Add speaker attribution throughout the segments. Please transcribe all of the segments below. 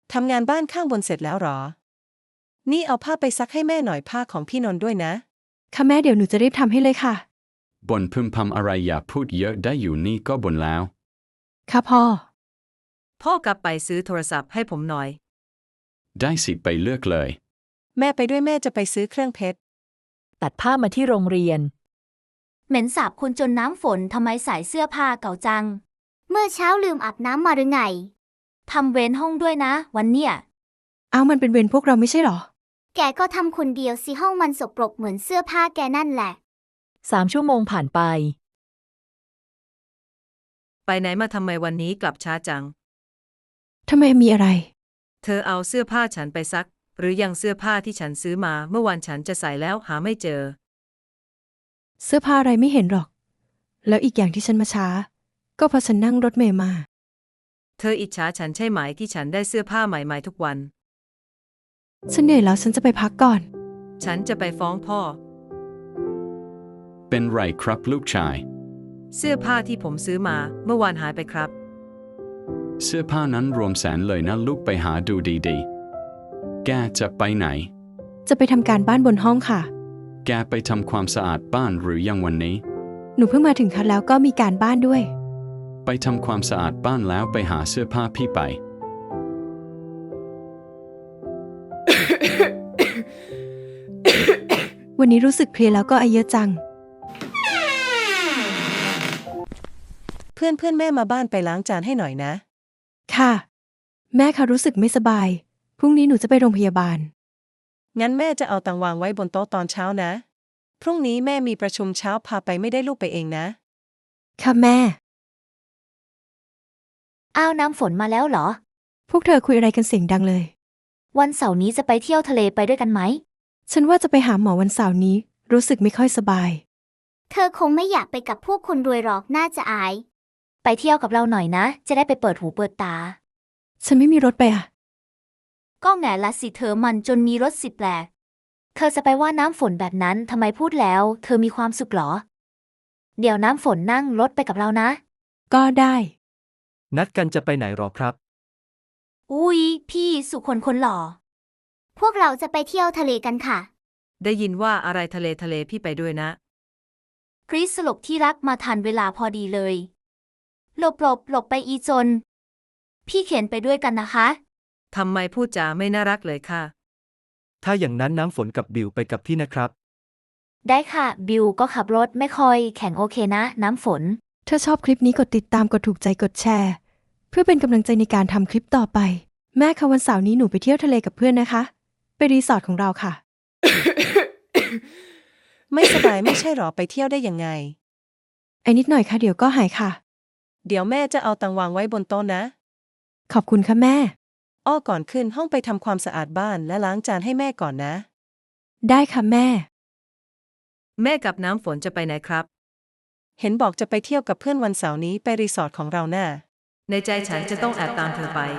Speaker 1: ทำงานบ้านข้างบนเสร็จแล้วหรอนี่เอาผ้าไปซักให้แม่หน่อยผ้าของพี่นนท์ด้วยนะ
Speaker 2: ค่ะแม่เดี๋ยวหนูจะรีบทำให้เลยค่ะ
Speaker 3: บ่นพึมพำอะไรอย่าพูดเยอะได้อยู่นี่ก็บ่นแล้ว
Speaker 2: ค่ะพ่อ
Speaker 1: พ่อกลับไปซื้อโทรศัพท์ให้ผมหน่อย
Speaker 3: ได้สิไปเลือกเลย
Speaker 1: แม่ไปด้วยแม่จะไปซื้อเครื่องเพชร
Speaker 4: ตัดภาพมาที่โรงเรียน
Speaker 5: เหม็นสาบคุณจนน้ำฝนทำไมใส่เสื้อผ้าเก่าจังเมื่อเช้าลืมอาบน้ำมาหรือไงทำเว้นห้องด้วยนะวันเนี้ย
Speaker 2: เอามันเป็นเวรพวกเราไม่ใช่หรอ
Speaker 5: แกก็ทำคนเดียวสิห้องมันสกปรกเหมือนเสื้อผ้าแกนั่นแหละ
Speaker 4: 3 ชั่วโมงผ่านไป
Speaker 1: ไปไหนมาทำไมวันนี้กลับช้าจัง
Speaker 2: ทำไมมีอะไร
Speaker 1: เธอเอาเสื้อผ้าฉันไปซักหรือยังเสื้อผ้าที่ฉันซื้อมาเมื่อวานฉันจะใส่แล้วหาไม่เจอ
Speaker 2: เสื้อผ้าอะไรไม่เห็นหรอกแล้วอีกอย่างที่ฉันมาช้าก็เพราะฉันนั่งรถเมล์มา
Speaker 1: เธออิจฉาฉันใช่ไหมที่ฉันได้เสื้อผ้าใหม่ๆทุกวัน
Speaker 2: ฉันเหนื่อยแล้วฉันจะไปพักก่อน
Speaker 1: ฉันจะไปฟ้องพ่อ
Speaker 3: เป็นไรครับลูกชาย
Speaker 1: เสื้อผ้าที่ผมซื้อมาเมื่อวานหายไปครับ
Speaker 3: เสื้อผ้านั้นรวมแสนเลยนะลูกไปหาดูดีๆแกจะไปไหน
Speaker 2: จะไปทำการบ้านบนห้องค่ะ
Speaker 3: แกไปทำความสะอาดบ้านหรือยังวันนี้
Speaker 2: หนูเพิ่งมาถึงค่ะแล้วก็มีการบ้านด้วย
Speaker 3: ไปทำความสะอาดบ้านแล้วไปหาเสื้อผ้าพี่ไป
Speaker 2: วันนี้รู้สึกเพลียแล้วก็ไอเยอะจัง
Speaker 1: เพื่อนแม่มาบ้านไปล้างจานให้หน่อยนะ
Speaker 2: ค่ะแม่ค่ะรู้สึกไม่สบายพรุ่งนี้หนูจะไปโรงพยาบาล
Speaker 1: งั้นแม่จะเอาตังวางไว้บนโต๊ะตอนเช้านะพรุ่งนี้แม่มีประชุมเช้าพาไปไม่ได้ลูกไปเองนะ
Speaker 2: ค่ะแม่
Speaker 5: อ้าวน้ำฝนมาแล้วเหรอ
Speaker 2: พวกเธอคุยอะไรกันเสียงดังเลย
Speaker 5: วันเสาร์นี้จะไปเที่ยวทะเลไปด้วยกันไหม
Speaker 2: ฉันว่าจะไปหาหมอวันเสาร์นี้รู้สึกไม่ค่อยสบาย
Speaker 5: เธอคงไม่อยากไปกับพวกคนรวยหรอกน่าจะอายไปเที่ยวกับเราหน่อยนะจะได้ไปเปิดหูเปิดตา
Speaker 2: ฉันไม่มีรถไปอ่ะ
Speaker 5: ก็แง่ละสิเธอมันจนมีรถสิบแปลกเธอจะไปว่าน้ำฝนแบบนั้นทำไมพูดแล้วเธอมีความสุขหรอเดี๋ยวน้ำฝนนั่งรถไปกับเรานะ
Speaker 2: ก็ได้
Speaker 6: นัดกันจะไปไหนหรอครับ
Speaker 5: อุ๊ยพี่สุคนหล่อพวกเราจะไปเที่ยวทะเลกันค่ะ
Speaker 1: ได้ยินว่าอะไรทะเลพี่ไปด้วยนะ
Speaker 5: กรีซสลบที่รักมาทันเวลาพอดีเลยหลบไปอีจนพี่เขียนไปด้วยกันนะคะ
Speaker 1: ทำไมพูดจาไม่น่ารักเลยค่ะ
Speaker 6: ถ้าอย่างนั้นน้ำฝนกับบิวไปกับพี่นะครับ
Speaker 5: ได้ค่ะบิวก็ขับรถไม่ค่อยแข็งโอเคนะน้ำฝน
Speaker 2: ถ้าชอบคลิปนี้กดติดตามกดถูกใจกดแชร์เพื่อเป็นกำลังใจในการทำคลิปต่อไปแม่คะวันเสาร์นี้หนูไปเที่ยวทะเลกับเพื่อนนะคะไปรีสอร์ทของเราค่ะ
Speaker 1: ไม่สบายไม่ใช่หรอไปเที่ยวได้ยังไง
Speaker 2: ไอ้นิดหน่อยค่ะเดี๋ยวก็หายค่ะ
Speaker 1: เดี๋ยวแม่จะเอาตังวางไว้บนโต๊ะนะ
Speaker 2: ขอบคุณค่ะแม่
Speaker 1: อ้อก่อนขึ้นห้องไปทำความสะอาดบ้านและล้างจานให้แม่ก่อนนะ
Speaker 2: ได้ค่ะแม่
Speaker 1: แม่กับน้ำฝนจะไปไหนครับเห็นบอกจะไปเที่ยวกับเพื่อนวันเสาร์นี้ไปรีสอร์ทของเราน่ะในใจฉันจะต้องแอบตามเธอไป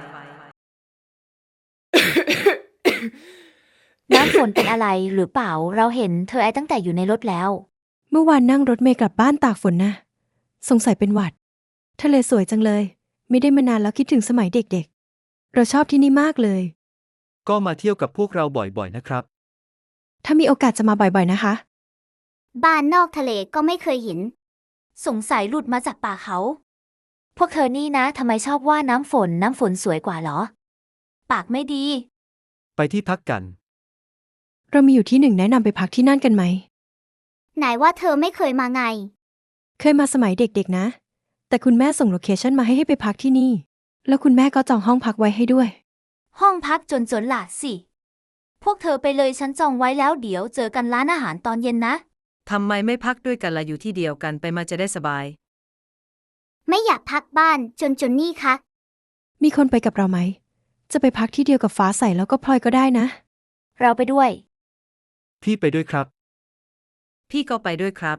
Speaker 5: น้ำฝนเป็นอะไรหรือเปล่าเราเห็นเธอไอตั้งแต่อยู่ในรถแล้ว
Speaker 2: เมื่อวานนั่งรถเมล์กลับบ้านตากฝนนะสงสัยเป็นหวัดทะเลสวยจังเลยไม่ได้มานานแล้วคิดถึงสมัยเด็กๆเราชอบที่นี่มากเลย
Speaker 6: ก็มาเที่ยวกับพวกเราบ่อยๆนะครับ
Speaker 2: ถ้ามีโอกาสจะมาบ่อยๆนะคะ
Speaker 5: บ้านนอกทะเลก็ไม่เคยเห็นสงสัยหลุดมาจากป่าเขาพวกเธอนี่นะทำไมชอบว่าน้ำฝนสวยกว่าเหรอปากไม่ดี
Speaker 6: ไปที่พักกัน
Speaker 2: เรามีอยู่ที่หนึ่งแนะนำไปพักที่นั่นกันไหม
Speaker 5: ไหนว่าเธอไม่เคยมาไง
Speaker 2: เคยมาสมัยเด็กๆนะแต่คุณแม่ส่งโลเคชั่นมาให้ไปพักที่นี่แล้วคุณแม่ก็จองห้องพักไว้ให้ด้วย
Speaker 5: ห้องพักจนหล่ะสิพวกเธอไปเลยฉันจองไว้แล้วเดี๋ยวเจอกันร้านอาหารตอนเย็นนะ
Speaker 1: ทำไมไม่พักด้วยกันล่ะอยู่ที่เดียวกันไปมาจะได้สบาย
Speaker 5: ไม่อยากพักบ้านจนนี่คะ
Speaker 2: มีคนไปกับเราไหมจะไปพักที่เดียวกับฟ้าใสแล้วก็พลอยก็ได้นะ
Speaker 5: เราไปด้วย
Speaker 6: พี่ไปด้วยครับ
Speaker 1: พี่ก็ไปด้วยครับ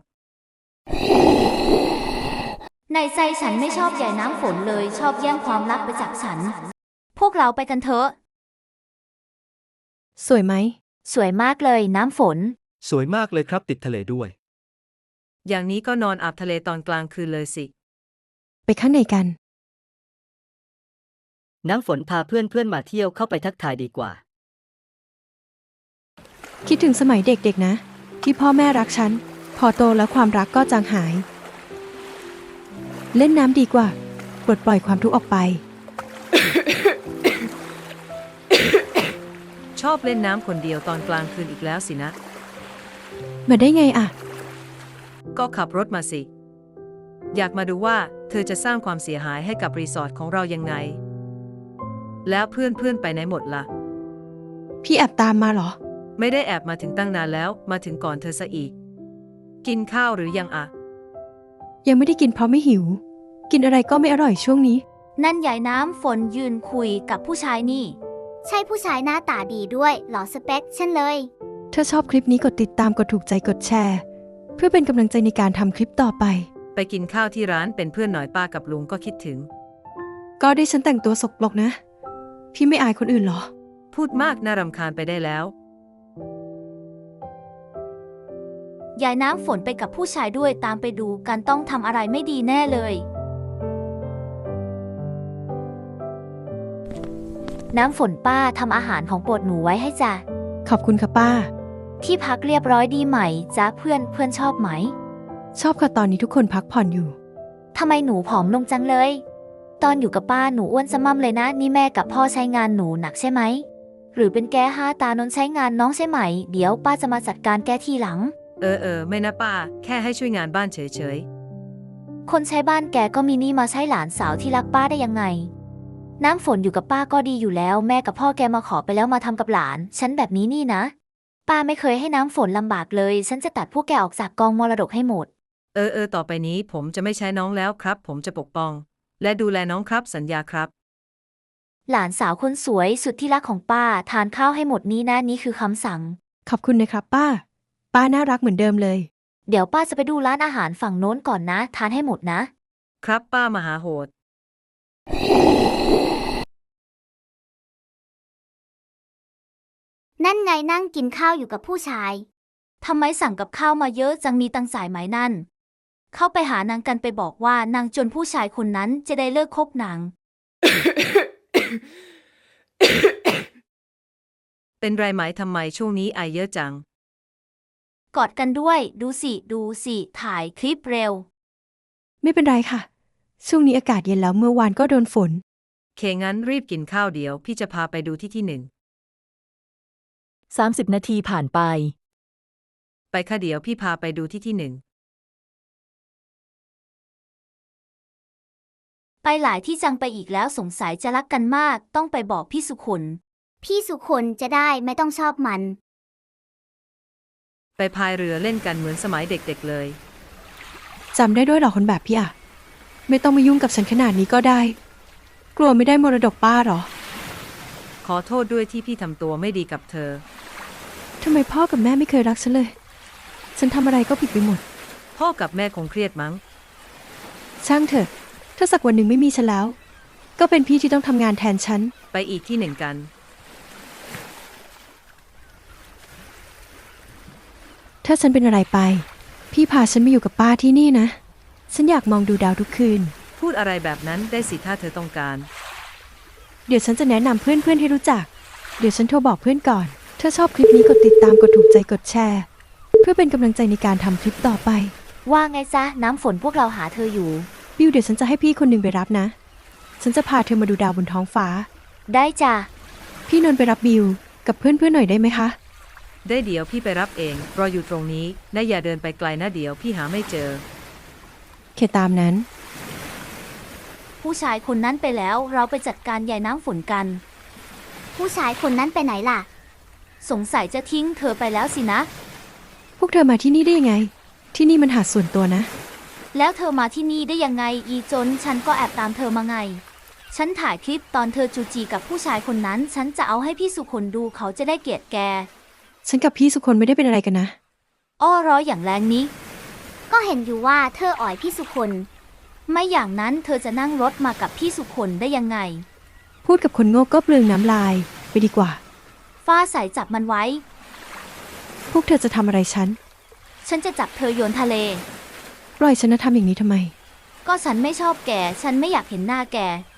Speaker 5: ในใจฉันไม่ชอบใหญ่น้ำฝนเลยชอบแย่งความรักไปจากฉันพวกเราไปกันเถอะ
Speaker 2: สวยไหม
Speaker 5: สวยมากเลยน้ำฝน
Speaker 6: สวยมากเลยครับติดทะเลด้วย
Speaker 1: อย่างนี้ก็นอนอาบทะเลตอนกลางคืนเลยสิ
Speaker 2: ไปข้างในกัน
Speaker 7: น้ำฝนพาเพื่อนมาเที่ยวเข้าไปทักทายดีกว่า
Speaker 2: คิดถึงสมัยเด็กๆนะ ที่พ่อแม่รักฉัน พอโตแล้วความรักก็จางหาย เล่นน้ำดีกว่าปลดปล่อยความทุกข์ออกไป
Speaker 1: ชอบเล่นน้ำคนเดียวตอนกลางคืนอีกแล้วสินะ
Speaker 2: มาได้ไงอะ
Speaker 1: ก็ขับรถมาสิ อยากมาดูว่าเธอจะสร้างความเสียหายให้กับรีสอร์ทของเรายังไง แล้วเพื่อนๆไปไหนหมดล่ะ
Speaker 2: พี่แอบตามมาเหรอ
Speaker 1: ไม่ได้แอบมาถึงตั้งนานแล้วมาถึงก่อนเธอซะอีก กินข้าวหรือยังอะ
Speaker 2: ยังไม่ได้กินเพราะไม่หิว กินอะไรก็ไม่อร่อยช่วงนี้
Speaker 5: นั่นยายน้ำฝนยืนคุยกับผู้ชายนี่ ใช่ผู้ชายหน้าตาดีด้วยหล่อสเปคฉันเลย
Speaker 2: ถ้าชอบคลิปนี้กดติดตามกดถูกใจกดแชร์ เพื่อเป็นกำลังใจในการทำคลิปต่อไป
Speaker 1: ไปกินข้าวที่ร้านเป็นเพื่อนหน่อยป้ากับลุงก็คิดถึง
Speaker 2: ก็ได้ฉันแต่งตัวสกปรกนะ พี่ไม่อายคนอื่นเหรอ
Speaker 1: พูดมากน่ารำคาญไปได้แล้ว
Speaker 5: ยายน้ำฝนไปกับผู้ชายด้วยตามไปดูกันต้องทำอะไรไม่ดีแน่เลย น้ำฝนป้าทำอาหารของโปรดหนูไว้ให้จ้ะ
Speaker 2: ขอบคุณค่ะป้า
Speaker 5: ที่พักเรียบร้อยดีไหมจ๊ะเพื่อนชอบไหม
Speaker 2: ชอบค่ะตอนนี้ทุกคนพักผ่อนอยู่
Speaker 5: ทำไมหนูผอมลงจังเลย ตอนอยู่กับป้าหนูอ้วนสม่ำเลยนะนี่แม่กับพ่อใช้งานหนูหนักใช่ไหม หรือเป็นแกตานนใช้งานน้องใช่ไหม เดี๋ยวป้าจะมาจัดการแกทีหลัง
Speaker 1: ไม่นะป้า แค่ให้ช่วยงานบ้านเฉย
Speaker 5: คนใช้บ้านแกก็มีนี่มาใช้หลานสาวที่รักป้าได้ยังไง น้ำฝนอยู่กับป้าก็ดีอยู่แล้วแม่กับพ่อแกมาขอไปแล้วมาทำกับหลาน ฉันแบบนี้นี่นะ ป้าไม่เคยให้น้ำฝนลำบากเลย ฉันจะตัดพวกแกออกจากกองมรดกให้หมด
Speaker 1: ต่อไปนี้ผมจะไม่ใช้น้องแล้วครับ ผมจะปกป้อง และดูแลน้องครับสัญญาครับ
Speaker 5: หลานสาวคนสวยสุดที่รักของป้าทานข้าวให้หมดนี้นะนี่คือคำสั่ง
Speaker 2: ขอบคุณนะครับป้า ป้าน่ารักเหมือนเดิมเลย
Speaker 5: เดี๋ยวป้าจะไปดูร้านอาหารฝั่งโน้นก่อนนะ ทานให้หมดนะ
Speaker 1: ครับป้ามหาโหด
Speaker 5: นั่นไงนั่งกินข้าวอยู่กับผู้ชาย ทำไมสั่งกับข้าวมาเยอะจังมีตังสายไหมนั่น เข้าไปหานางกันไปบอกว่านางจนผู้ชายคนนั้นจะได้เลิกคบนาง
Speaker 1: เป็นไรไหมทำไมช่วงนี้ไอเยอะจัง
Speaker 5: กอดกันด้วย ดูสิถ่ายคลิปเร็ว
Speaker 2: ไม่เป็นไรค่ะ ช่วงนี้อากาศเย็นแล้วเมื่อวานก็โดนฝน
Speaker 1: เคงั้นรีบกินข้าวเดี๋ยวพี่จะพาไปดูที่หนึ่ง
Speaker 4: 30 นาทีผ่านไป
Speaker 1: ไปค่ะเดี๋ยวพี่พาไปดูที่หนึ่ง
Speaker 5: ไปหลายที่จังไปอีกแล้วสงสัยจะรักกันมากต้องไปบอกพี่สุคนพี่สุคนจะได้ไม่ต้องชอบมัน
Speaker 1: ไปพายเรือเล่นกันเหมือนสมัยเด็กๆเลย
Speaker 2: จำได้ด้วยเหรอคนแบบพี่อะไม่ต้องมายุ่งกับฉันขนาดนี้ก็ได้ กลัวไม่ได้มรดกป้าเหรอ
Speaker 1: ขอโทษด้วยที่พี่ทำตัวไม่ดีกับเธอ
Speaker 2: ทำไมพ่อกับแม่ไม่เคยรักฉันเลย ฉันทำอะไรก็ผิดไปหมด
Speaker 1: พ่อกับแม่คงเครียดมั้ง
Speaker 2: ช่างเถอะ ถ้าสักวันหนึ่งไม่มีฉันแล้ว ก็เป็นพี่ที่ต้องทำงานแทนฉัน
Speaker 1: ไปอีกที่หนึ่งกัน
Speaker 2: ถ้าฉันเป็นอะไรไป พี่พาฉันมาอยู่กับป้าที่นี่นะ ฉันอยากมองดูดาวทุกคืน
Speaker 1: พูดอะไรแบบนั้นได้สิถ้าเธอต้องการ
Speaker 2: เดี๋ยวฉันจะแนะนำเพื่อนๆให้รู้จัก เดี๋ยวฉันโทรบอกเพื่อนก่อน ถ้าชอบคลิปนี้กดติดตามกดถูกใจกดแชร์ เพื่อเป็นกำลังใจในการทำคลิปต่อไป
Speaker 5: ว่าไงจ๊ะน้ำฝนพวกเราหาเธออยู่
Speaker 2: บิวเดี๋ยวฉันจะให้พี่คนหนึ่งไปรับนะ ฉันจะพาเธอมาดูดาวบนท้องฟ้า
Speaker 5: ได้จ้ะ
Speaker 2: พี่นนท์ไปรับบิวกับเพื่อนๆหน่อยได้ไหมคะ
Speaker 1: ได้เดี๋ยวพี่ไปรับเองรออยู่ตรงนี้นะอย่าเดินไปไกลนะเดี๋ยวพี่หาไม่เจอ
Speaker 2: เคตามนั้น
Speaker 5: ผู้ชายคนนั้นไปแล้วเราไปจัดการยายน้ำฝนกัน ผู้ชายคนนั้นไปไหนล่ะ สงสัยจะทิ้งเธอไปแล้วสินะ
Speaker 2: พวกเธอมาที่นี่ได้ยังไง ที่นี่มันหาดส่วนตัวนะ
Speaker 5: แล้วเธอมาที่นี่ได้ยังไงอีจนฉันก็แอบตามเธอมาไง ฉันถ่ายคลิปตอนเธอจูจีกับผู้ชายคนนั้นฉันจะเอาให้พี่สุคนดูเขาจะได้เกลียดแก
Speaker 2: ฉันกับพี่สุคนไม่ได้เป็นอะไรกันนะ
Speaker 5: อ้อร้อยอย่างแรงนี้ ก็เห็นอยู่ว่าเธออ่อยพี่สุคน ไม่อย่างนั้นเธอจะนั่งรถมากับพี่สุคนได้ยังไง
Speaker 2: พูดกับคนโง่ก็เปลืองน้ำลาย ไปดีกว่า
Speaker 5: ฟ้าใสจับมันไว้
Speaker 2: พวกเธอจะทำอะไรฉัน
Speaker 5: ฉันจะจับเธอโยนทะเล
Speaker 2: ปล่อยฉันนะทำอย่างนี้ทำไม
Speaker 5: ก็ฉันไม่ชอบแก ฉันไม่อยากเห็นหน้าแก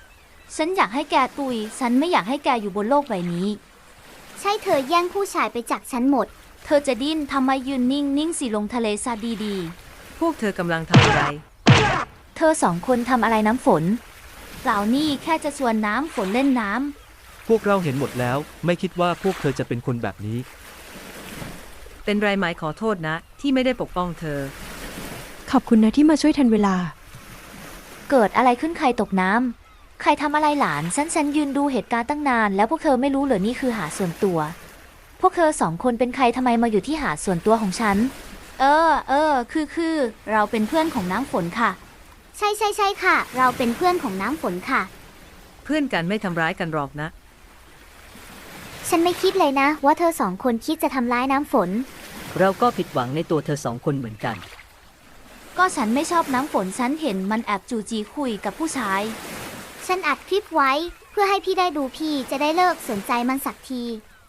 Speaker 5: ฉันอยากให้แกตุย ฉันไม่อยากให้แกอยู่บนโลกใบนี้
Speaker 8: ใช่เธอแย่งผู้ชายไปจากฉันหมด
Speaker 5: เธอจะดิ้นทำไมยืนนิ่งสิลงทะเลซะดี
Speaker 1: พวกเธอกำลังทำอะไร
Speaker 5: ๆ เธอสองคนทำอะไรน้ำฝนเปล่านี่แค่จะชวนน้ำฝนเล่นน้ำ
Speaker 6: พวกเราเห็นหมดแล้ว ไม่คิดว่าพวกเธอจะเป็นคนแบบนี้
Speaker 1: เป็นไรไหมขอโทษนะ ที่ไม่ได้ปกป้องเธอ
Speaker 2: ขอบคุณนะที่มาช่วยทันเวลา
Speaker 5: เกิดอะไรขึ้นใครตกน้ำใครทำอะไรหลานฉันยืนดูเหตุการณ์ตั้งนาน แล้วพวกเธอไม่รู้เหรอนี่คือหาดส่วนตัว พวกเธอสองคนเป็นใครทำไมมาอยู่ที่หาดส่วนตัวของฉัน คือเราเป็นเพื่อนของน้ำฝนค่ะ
Speaker 8: ใช่ค่ะ เราเป็นเพื่อนของน้ำฝนค่ะ
Speaker 1: เพื่อนกันไม่ทำร้ายกันหรอกนะ
Speaker 8: ฉันไม่คิดเลยนะ ว่าเธอสองคนคิดจะทำร้ายน้ำฝน
Speaker 7: เราก็ผิดหวังในตัวเธอสองคนเหมือนกัน
Speaker 5: ก็ฉันไม่ชอบน้ำฝนฉันเห็นมันแอบจูจีคุยกับผู้ชาย
Speaker 8: ฉันอัดคลิปไว้ เพื่อให้พี่ได้ดูพี่จะได้เลิกสนใจมันสักที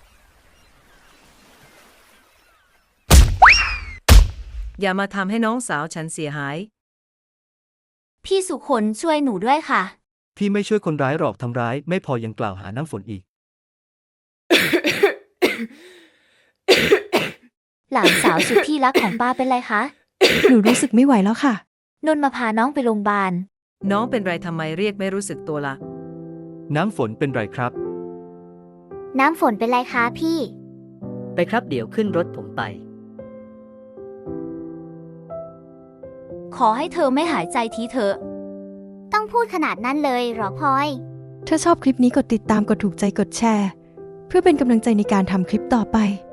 Speaker 1: อย่ามาทำให้น้องสาวฉันเสียหาย
Speaker 5: พี่สุคนช่วยหนูด้วยค่ะ
Speaker 6: พี่ไม่ช่วยคนร้ายหรอกทำร้าย ไม่พอยังกล่าวหาน้ำฝนอีก
Speaker 5: หลานสาวสุดที่รักของป้าเป็นไรคะ
Speaker 2: หนูรู้สึกไม่ไหวแล้วค่ะ
Speaker 5: นนท์มาพาน้องไปโรงพยาบาล
Speaker 1: น้องเป็นไรทำไมเรียกไม่รู้สึกตัวละ
Speaker 6: น้ำฝนเป็นไรครับ
Speaker 8: น้ำฝนเป็นไรคะพี่
Speaker 7: ไปครับเดี๋ยวขึ้นรถผมไป
Speaker 5: ขอให้เธอไม่หายใจทีเถอะ
Speaker 8: ต้องพูดขนาดนั้นเลยเหรอพลอย
Speaker 2: ถ้าชอบคลิปนี้กดติดตามกดถูกใจกดแชร์ เพื่อเป็นกำลังใจในการทำคลิปต่อไป